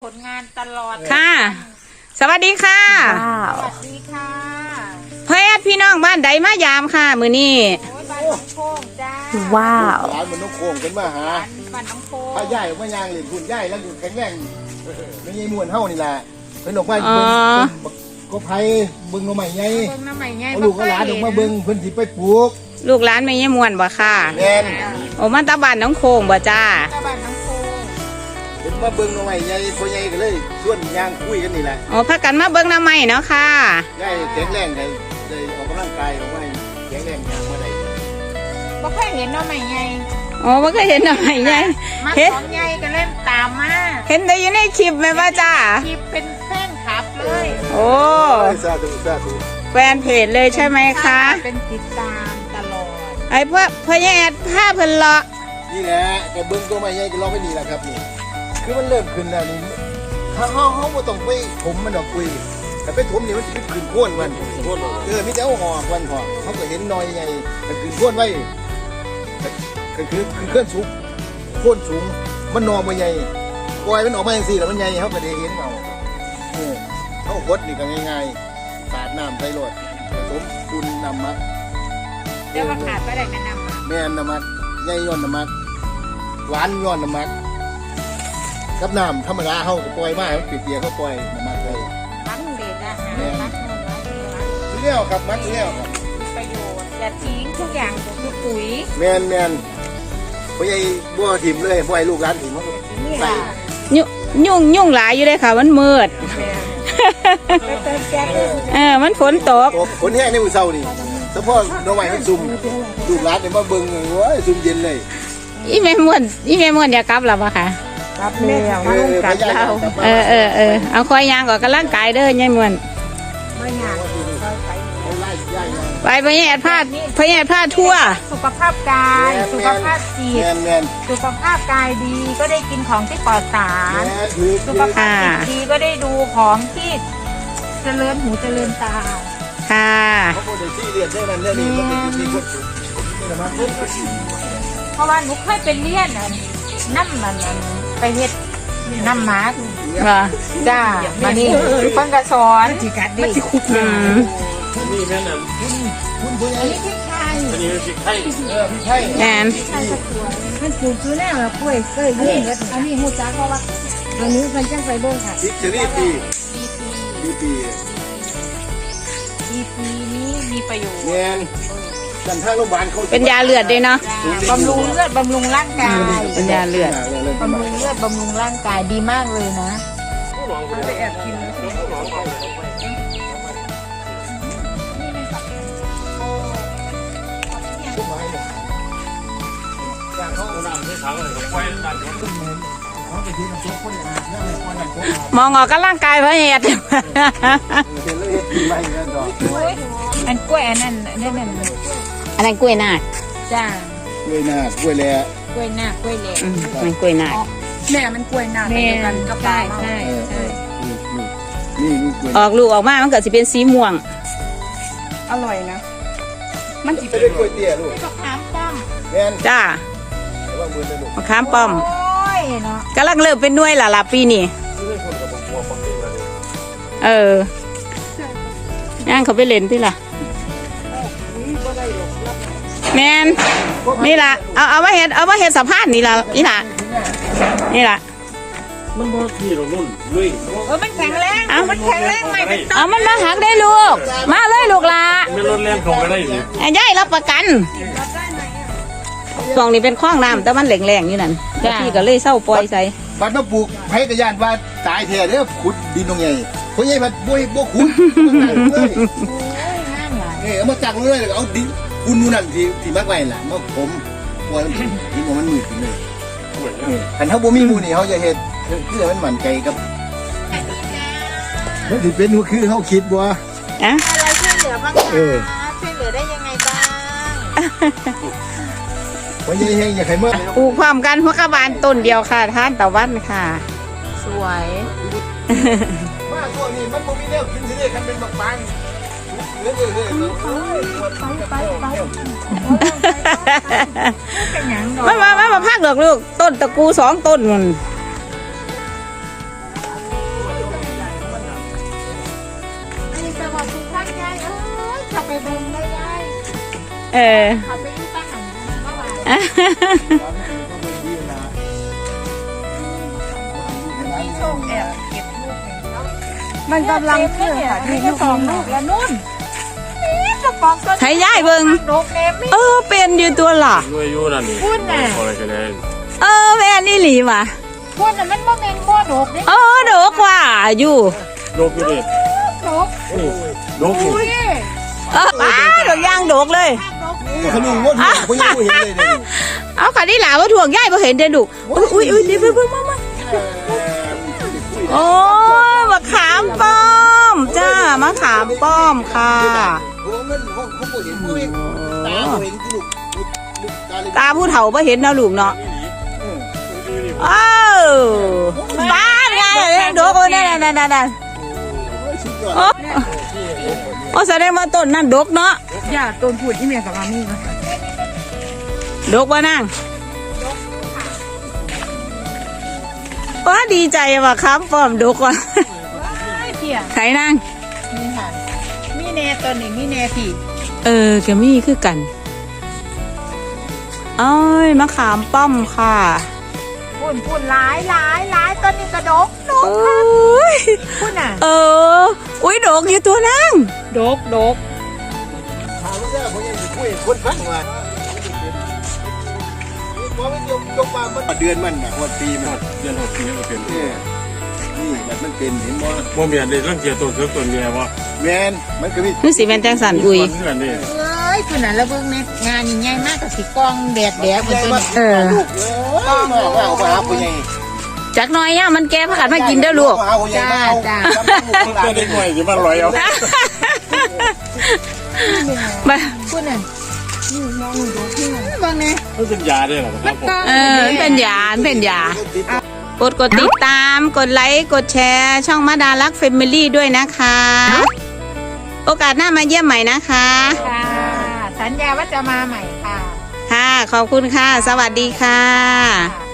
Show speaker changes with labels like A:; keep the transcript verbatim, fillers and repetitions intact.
A: ผลงานตลอด
B: ค่ะสวัสดีค่ะ
A: สวัสดีค่ะ
B: เพื่อนพี่น้องบ้านใดมายามค่ะมือนี้
A: บ้านน้องโค้งจ้า
B: ว้าว
C: ร้านมันน้องโค้งเป็นมาหา
A: บ้านน้องโค้ง
C: ถ้าใหญ่ว่ายางเหรียญคุณใหญ่แล้วอยู่แข็งแรงไม่ใช่มวนเท่านี่แหละเป็นออกมาเบิ้งก็ไผ่เบิ้งน้ำใหม่ไง
A: เบิ้งน้ำใหม่ไง
C: ลูกก็หลานออกมาเบิ้งเพิ่นสิไปปลูก
B: ลูกหลานไม่ยี่มวนบ่ค่ะ
C: แม่น
B: โอ้มาตาบ้านน้องโค้งบ่จ้า
A: บ้านน้องโค้ง
C: เป็นมาเบิ้งน้ำใหม่ไงพ่อใหญ่ก็เลยชวนยางคุยกันนี่แหละ
B: โอ้พักกันมาเบิ้งน้ำใหม่เนาะค่ะ
C: ได้แข็งแรงได้ได้ออกกำลังกายออกมาแข็งแรงยางมาได้
A: บ่เคยเห็นน้ำใหม่ไง
B: โอ้บ่เคยเห็นน้ำใหม่ไง
A: เห็นของใหญ่ก็เล่นตามมา
B: เห็นได้อยู่ในคลิปไหมว่าจ้า
A: คลิปเป็นแฟนคลับเลย
B: โอ้
C: สาธุสาธุ
B: แฟนเพจเลยใช่ไหมคะ
A: เป็นติดตามตลอด
B: ไอ้เพื่อเพื่อแอดผ้าเพิ่นเลาะ
C: นี่แหละแต่เบิ้งตัวใหม่ใหญ่ก็รอไม่ดีแล้วครับนี่คือมันเริ่มขึ้นแล้วนี่ถ้าเฮาเฮาบ่ต้องไปถมมันดอกคุยแต่ไปถมนี่มันสิขึ้นโค่นมันเออมีแต่เอาหอกมันพอเขาก็เห็นน้อยใหญ่แต่ขึ้นโค่นไว้ก็คือคือเคลื่อนสูงโค่นสูงมันนอมาใหญ่ปล่อยมันออกมาอย่างสี่แล้วมันใหญ่เขาก็ได้เห็นเอาเออเขาหดนี่ก็ง่ายๆสาดน้ำใส่รถผสมปูนน้ำมัด
A: เดี๋ยวมาขาดไปได้กันน้ำมัด
C: แม่นน้ำมัดใหญ่ย้อนน้ำมัดหวานย้อนน้ำมัดกับน้ำธรรมดาเขาก็ปล่อยมาเขาเปียกๆเขาปล่อยน้ำมัดเลย
A: มัดเด็ดนะมัดนมมัด
C: เลี้ยวครับมัดเลี้ยวครับ
A: ประโยชน์อย่าทิ้งทุกอย่างคือปุ๋ย
C: แมนแมนพ่อใหญ่บัวถิ่มเลยพ่อใหญ่ลูกร้านถิ่มเขาใส่
B: ยุ่งยุ่งยุ่งหลายอยู่เลยค่ะมันมืดเออมันฝนตก
C: ฝนแห้งในมือเศร้านี่เฉพาะน้องใหม่มันซุ่มลูกร้านเนี่ยมาเบิ้งเลยว้าซุ่มเย็นเลย
B: อีเมมวนอีเมมวนอยากกลับหรอปะคะ
A: กลับแล้วมาลงกลับเรา
B: เออเออเออเอาคอยยางก่อนกำลังกายเด้อยายมวน
A: ไม่ยาก
B: ไปพญาแอดพาดพญาแอดพาดทั่ว
A: สุขภาพกายสุขภาพจิตสุขภาพกายดีก็ได้กินของที่ปลอดสารสุขภาพจิตดีก็ได้ดูของที่เจริญหูเจริญตา
B: ค่ะ
A: เพราะว่าหนูเคยเป็นเลี้ยนน้ำมันไปเฮ็ดน้ำหมาจ้ามานี่เพิ่งกระสอนมันจะคุกอืม
C: นี่แม่น่ะคุณคุณอันนี้พริกไทยอันนี้พริกไทยเออพริกไทย
B: แอน
A: มันปลูกคือแน่แบบกล้วยเอ้ยนี่อันนี้หูจ้าเพราะว่าอันนี้มันจังไปเบิ่งค่ะ
C: พริกเชอรี่ปีปีปี
A: ปีปีนี้มีประโยชน์
C: แม่นกันทางโรงพยาบาลเขา
B: เป็นยาเลือดด้วยเนาะ
A: บำรุงเลือดบำรุงร่างกาย
B: เป็นยาเลือด
A: บำรุงเลือดบำรุงร่างกายดีมากเลยนะไปแอบกิน
B: มองออกกำลังกายพระเอก
A: อันกล้วยอันนั้นนั่นนั่น
B: อันนั้นกล้วยนาค
A: จ้าก
C: ล้วยนาคกล้วยแหล่
A: กล้วยนาคกล้วยแหล่
B: มันกล้วยนาค
A: แม่มันกล้วยนาคเดียวกันกับใช่ใช่ใช่
C: นี่นี่กล้วย
B: ออกลูกออกมามันเกิดสิเป็นสีม่วง
A: อร่อยนะ
C: มันจะเป็นกล้วยเตี้ยลูก
A: มะขามป้อม
C: แม่น
B: จ้ามะขามป้อมกำลังเริ่มเป็นน่วยละล่ะปีนี้เออย่างเขาไปเล่นที่ล่ะแมนนี่ล่ะเอาเอามาเห็ดเอามาเห็ดสะพานนี่ล่ะนี่ล่ะนี่ล่ะ
C: มันบ่ที่เราลุ่นลุย
A: เออมันแข็งแรงเอามันแข็งแรงไหมเป็นต้น
B: เอามันมาหักได้ลูกมาเลยลูกล่ะ
C: ไม่ลดแรงของได้สิ
B: ย่ายรับประกันช่วงนี้เป็นคล้องน้ำแต่มันแหลงๆอยู่นั่นพี่ก็เลยเศร้าปล่อยใส่
C: บัดมาปลูกไผ่กระยานว่าตายแท้เด้อขุดดินตรงใหญ่เพราะใหญ่บัดบ่บ่ขุดเออเอามาจักเลยเอาดินคุณนู่นนั่นที่ที่มักไว้ล่ะมาผมปล่อยดินมันมืดขึ้นเลยคันเฮาบ่มีหมู่นี่เฮาจะเฮ็ดคือมันมั่นใจกับมันสิเป็นคือเฮาคิดบ่
B: อะ
A: อะไรช่วยเหลือบ้างคะช่วยเหลือได้ยังไงบ้าง
C: วันนี้เฮงอยากให้เมื่อ
B: ปลูกพร้อมกันหัวกระบาลต้นเดียวค่ะท่านตะวันค่ะ
A: สวย
C: มาตัวนี้มันบ่มีแนวกินสิเด้คันเป็นบักบางเฮ้ยเฮ้ย
A: ไปไปไป
B: มามามามาพักดอกลูกต้นตะกูสองต้นมัน
A: ไปเบิ่งได้ยาย
B: เออ
A: เขาไปอยู่ตั้งหันเมื่อวานมีโชคแอบเก็บลูกเองเนาะ
D: มันกำลังขึ้นค่ะ
A: มีแค่สองลูกแล้วนุ่นนี่กระป๋องต้น
B: ใช้ย่ายเบิ่ง
A: ดกเนมไม่
B: เออเป็นอยู่ตัวล่ะ
E: ด้วยอยู่นั่นนี่
A: พูดน่ะ
E: อะไรกันแน่
B: เออแม่นี่หลีว่ะ
A: พูดน่ะมันบ่แม่นบ่ดกเด้
B: เออดกว่าอยู่
E: โลกอยู่ดิ
A: ดก
E: นี่โลกอยู่
A: อุ้ย
B: เอออ้าดอกย่างดกเลย
A: ดก
C: ขนมงดเขายังไม่เห็นเลยเนี่ย
B: เอาค่ะนี่หลาว่าถ่วงย่ายบ่เห็นเด้อลูกอุ้ยอุ้ยอุ้ยนี่เพิ่งมามาโอ้มะขามป้อมจ้ามะขามป้อมค่ะ
C: โอ้มันเขาเขาเห็นเขาเห็นตาเห็นลูกลูกตาเลย
B: ตาผู้เฒ่าบ่เห็นนะลูกเนาะอ้าวบ้านไงดกโอ้นั่นนั่นนั่นนั่น
C: สุดยอด
B: โอ้โอ้แสดงว่าต้นนั่นดกเนาะ
D: อย่าต้นพูดที่เมียกับมามี่นะ
B: ดกว่านางว้าดีใจว่ะครับป้อมดกว่ะ
A: ไอ้เพีย
B: ไถนาง
A: มีหันมีแน่ตัวนี้มีแน่พี่
B: เออแกมี่คือกันเอ้ยมะขามป้อมค่ะ
A: พูนพูนหลายหลายหลายตัวนี้กระดกดก
B: โอ้ย
A: พูนน่ะ
B: เอออุ้ยดกอยู่ตัวนาง
A: ดกดก
C: ถามว่าเนี่ยผมยังคุยคนฟังมาพอมันยกยกมามันเดือนมันนะวันปีมัน
E: เดือนหกปีก็เป็น
C: นี่นี่มันมันเป็นเห็นบ่
E: บ่มีอันใดรังเกียจตัวเกือบตัวเมียวะ
C: แมนมันก็มี
B: นี่สีแมนแจงสันอุ้ย
E: เพื่อนนี่
A: เอ้ยพูนน่ะแล้วเบิ่งแม่งานนี่ใหญ่มากกับสิกองแดดแดดมัน
C: ใหญ่
A: ตัว
C: มาก
A: นี้
B: เออ
C: ลูกเอ้ยมาว่าเอามาหาผู้ใหญ่
B: จักหน้อยย่ามันแก้ผักกาดมากินเด้อลูก
C: มาหาผู้ใหญ่มาเอาจ้า
E: เพื่อนได้หน่วยจะมาลอยเอา
B: มา
A: พูนน่ะเบิ่งแน่
E: มันเป็นยาได้หรอครับผม
B: เออเป็นยาเป็นยากดกดติดตามกดไลค์กดแชร์ช่องมาดารักเฟมิลี่ด้วยนะคะ โอกาสหน้ามาเยี่ยมใหม่นะคะ
A: ค่ะ สัญญาว่าจะมาใหม่ค่ะ
B: ค่ะ ขอบคุณค่ะ สวัสดีค่ะ
A: ค่ะ